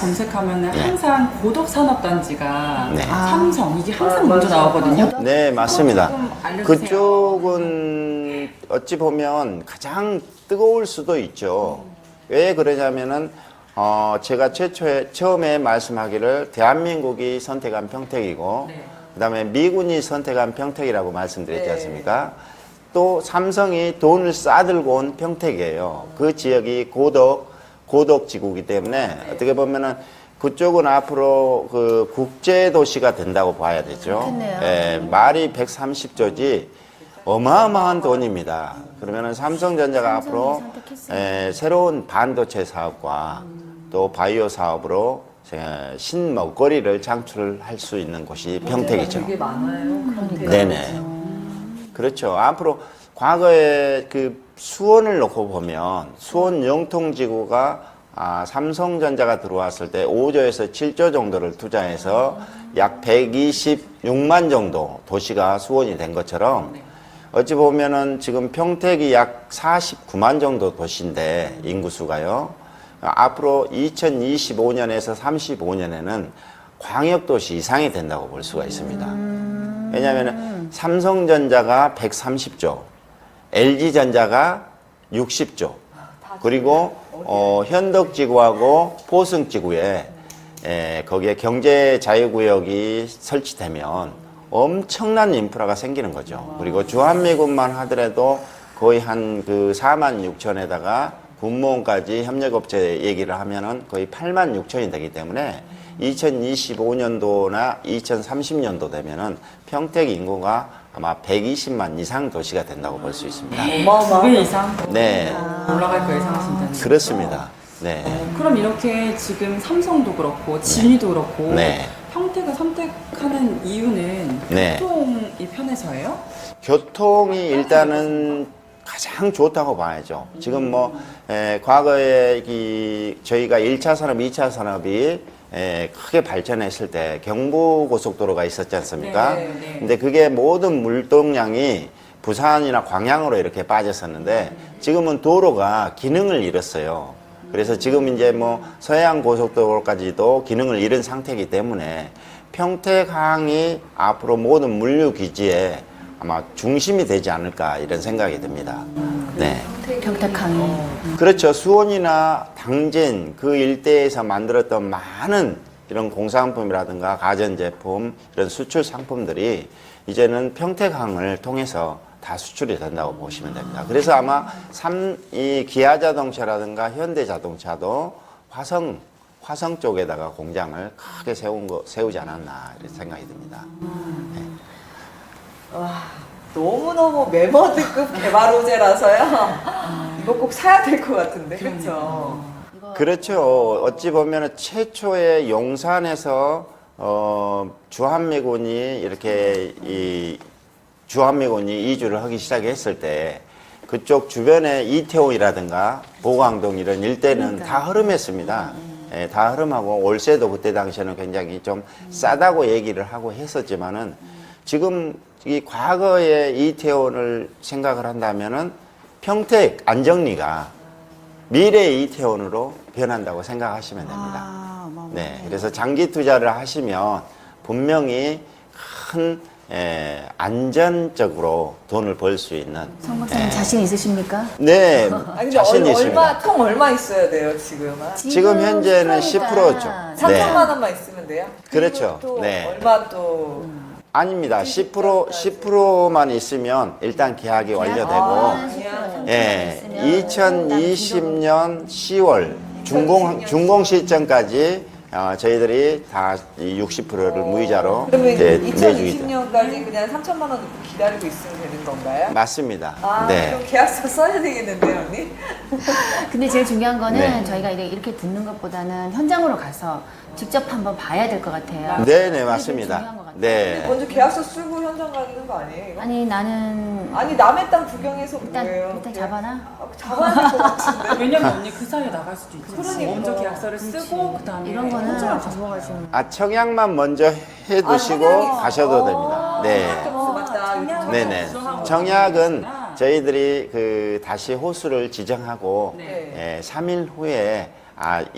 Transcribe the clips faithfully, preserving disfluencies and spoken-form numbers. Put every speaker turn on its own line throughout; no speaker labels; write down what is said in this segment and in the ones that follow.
검색하면
네.
항상 고덕산업단지가
네.
삼성 이게 항상
아,
먼저
맞아.
나오거든요.
네, 맞습니다.
조금 알려주세요.
그쪽은 어찌 보면 가장 뜨거울 수도 있죠. 왜 그러냐면은 어, 제가 최초에 처음에 말씀하기를 대한민국이 선택한 평택이고
네.
그다음에 미군이 선택한 평택이라고 말씀드렸지
네.
않습니까? 또 삼성이 돈을 싸들고 온 평택이에요. 그 지역이 고덕 고덕지구이기 때문에
네.
어떻게 보면은 그쪽은 앞으로 그 국제 도시가 된다고 봐야 되죠.
그렇겠네요.
예, 말이 백삼십 조지 어마어마한 돈입니다. 그러면은 삼성전자가
삼성이
앞으로
선택했어요.
에, 새로운 반도체 사업과 또 바이오 사업으로 에, 신먹거리를 창출할 수 있는 곳이 평택이죠.
되게 많아요. 그러니까.
네네. 그렇죠. 앞으로 과거에 그 수원을 놓고 보면 수원 영통지구가 아, 삼성전자가 들어왔을 때 오조에서 칠조 정도를 투자해서 약 백이십육만 정도 도시가 수원이 된 것처럼 어찌 보면은 지금 평택이 약 사십구만 정도 도시인데 인구수가요. 앞으로 이천이십오 년에서 삼십오 년에는 광역도시 이상이 된다고 볼 수가 있습니다. 왜냐하면 삼성전자가 백삼십조, 엘지전자가 육십조, 그리고 어, 현덕지구하고 포승지구에 에, 거기에 경제 자유구역이 설치되면 엄청난 인프라가 생기는 거죠. 그리고 주한미군만 하더라도 거의 한 그 사만 육천에다가 군무원까지 협력업체 얘기를 하면은 거의 팔만 육천이 되기 때문에 이천이십오 년도나 이천삼십 년도 되면은 평택 인구가 아마 백이십만 이상 도시가 된다고 볼 수 있습니다.
어마어마하다.
두 배 이상
네,
올라갈 거 예상하신다는 거죠?
그렇습니다. 네.
어, 그럼 이렇게 지금 삼성도 그렇고 진이도 그렇고
네.
평택을 선택하는 이유는
네.
교통이 편해서예요?
교통이 일단은 가장 좋다고 봐야죠. 지금 뭐, 에, 과거에 이, 저희가 일 차 산업, 이 차 산업이 에, 크게 발전했을 때 경부고속도로가 있었지 않습니까?
네, 네.
근데 그게 모든 물동량이 부산이나 광양으로 이렇게 빠졌었는데 지금은 도로가 기능을 잃었어요. 그래서 지금 이제 뭐 서해안 고속도로까지도 기능을 잃은 상태이기 때문에 평택항이 앞으로 모든 물류 기지에 아마 중심이 되지 않을까 이런 생각이 듭니다. 네.
평택항이.
그렇죠. 수원이나 당진 그 일대에서 만들었던 많은 이런 공산품이라든가 가전제품 이런 수출 상품들이 이제는 평택항을 통해서 다 수출이 된다고 보시면 됩니다. 그래서 아마 삼, 이 기아자동차라든가 현대자동차도 화성 화성 쪽에다가 공장을 크게 세운 거 세우지 않았나 이런 생각이 듭니다. 네.
와, 너무너무 메머드급 개발 호재라서요. 이거 꼭 사야 될 것 같은데, 그렇죠?
그렇죠. 어찌 보면 최초의 용산에서 어, 주한미군이 이렇게 이 주한미군이 이주를 하기 시작했을 때 그쪽 주변에 이태원이라든가 보강동 이런 일대는
그러니까.
다 흐름했습니다. 예, 다 흐름하고 월세도 그때 당시에는 굉장히 좀 싸다고 얘기를 하고 했었지만은 지금 이 과거의 이태원을 생각을 한다면은 평택 안정리가 미래의 이태원으로 변한다고 생각하시면 됩니다.
아, 어마어마하네.
네, 그래서 장기 투자를 하시면 분명히 큰 에, 안전적으로 돈을 벌 수 있는.
성 박사님 자신 있으십니까?
네,
아니, 근데
자신
얼,
있습니다.
얼마, 통 얼마 있어야 돼요, 지금은?
지금 현재는 십 퍼센트죠.
삼천만 원만 있으면 돼요?
그렇죠.
그리고 또
네.
얼마 또.
아닙니다. 십 퍼센트, 십 퍼센트만 있으면 일단 계약이 완료되고,
아,
예, 이천이십 년 시월 준공, 준공 시점까지 어, 저희들이 다 육십 퍼센트를 무이자로
그러면
네,
이천이십
내주기도.
년까지 그냥 삼천만 원 넣고 기다리고 있으면 되는 건가요?
맞습니다.
아,
네.
그럼 계약서 써야 되겠는데요, 언니?
근데 제일 중요한 거는
네.
저희가 이렇게 이렇게 듣는 것보다는 현장으로 가서 직접 한번 봐야 될 것 같아요.
네, 네,
그게 제일 중요한 것
맞습니다.
같아요.
네.
먼저 계약서 쓰고 현장 가는 거 아니에요, 이거?
아니 나는
아니, 남의 땅 구경해서
일단
뭐예요?
일단 잡아놔.
아, 잡아야 될 것 같은데.
왜냐면 언니 그 사이에 나갈 수도 있지.
그러니까.
먼저 계약서를 쓰고 그 다음에
이런 거는 접어가지고.
아, 청약만 먼저 해두시고
아, 청약이
가셔도
있어.
됩니다. 네.
어, 맞다.
청약을
네네.
구성하고
청약은
있구나.
저희들이 그 다시 호수를 지정하고
네.
예, 삼 일 후에 아 이게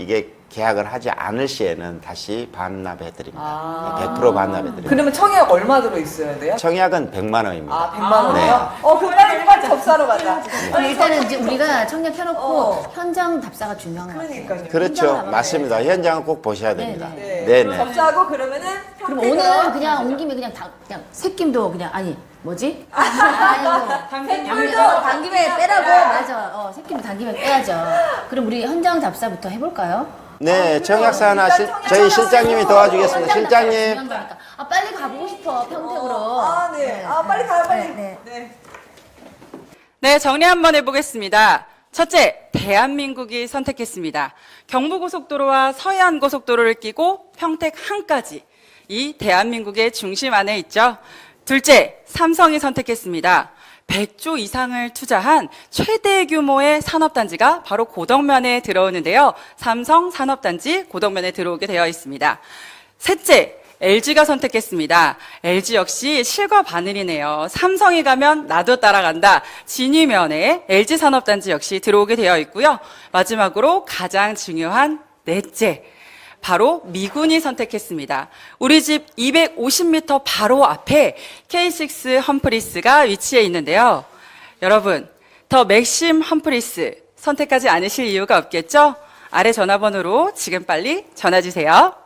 계약을 하지 않을 시에는 다시 반납해드립니다.
아.
백 퍼센트 반납해드립니다.
그러면 청약 얼마 들어 있어야 돼요?
청약은 백만 원입니다.
아, 백만 원이요?
네.
어, 그럼 빨리 빨리 접사로 가자.
그럼 일단은 이제 우리가 청약 켜놓고
어.
현장 답사가 중요한 것 같아요.
그러니까요.
그렇죠.
현장을
맞습니다. 현장은 꼭 보셔야 됩니다.
네.
네네.
접사하고 그러면은
그럼
평택으로
오늘 그냥 온 김에 그냥 다, 그냥 새김도 그냥 아니 뭐지? 아이고
당김도
당김에 빼라고 맞아. 어 새김도 당김에 빼야죠. 그럼 우리 현장 답사부터 해볼까요?
네, 청약사 하나
일단
실-
청약
저희
청약사
실장님이 도와주겠습니다.
현장 답사가
실장님.
중요한 거니까. 아 빨리 가보고 싶어 평택으로.
아, 네. 아, 빨리 가요, 빨리.
네, 네.
네.
네, 정리 한번 해보겠습니다. 첫째, 대한민국이 선택했습니다. 경부고속도로와 서해안고속도로를 끼고 평택 항까지 이 대한민국의 중심 안에 있죠. 둘째, 삼성이 선택했습니다. 백조 이상을 투자한 최대 규모의 산업단지가 바로 고덕면에 들어오는데요. 삼성 산업단지 고덕면에 들어오게 되어 있습니다. 셋째, 엘지가 선택했습니다. 엘지 역시 실과 바늘이네요. 삼성이 가면 나도 따라간다. 진위면에 엘지 산업단지 역시 들어오게 되어 있고요. 마지막으로 가장 중요한 넷째, 바로 미군이 선택했습니다. 우리 집 이백오십 미터 바로 앞에 케이 식스 험프리스가 위치해 있는데요. 여러분, 더 맥심 험프리스 선택하지 않으실 이유가 없겠죠? 아래 전화번호로 지금 빨리 전화 주세요.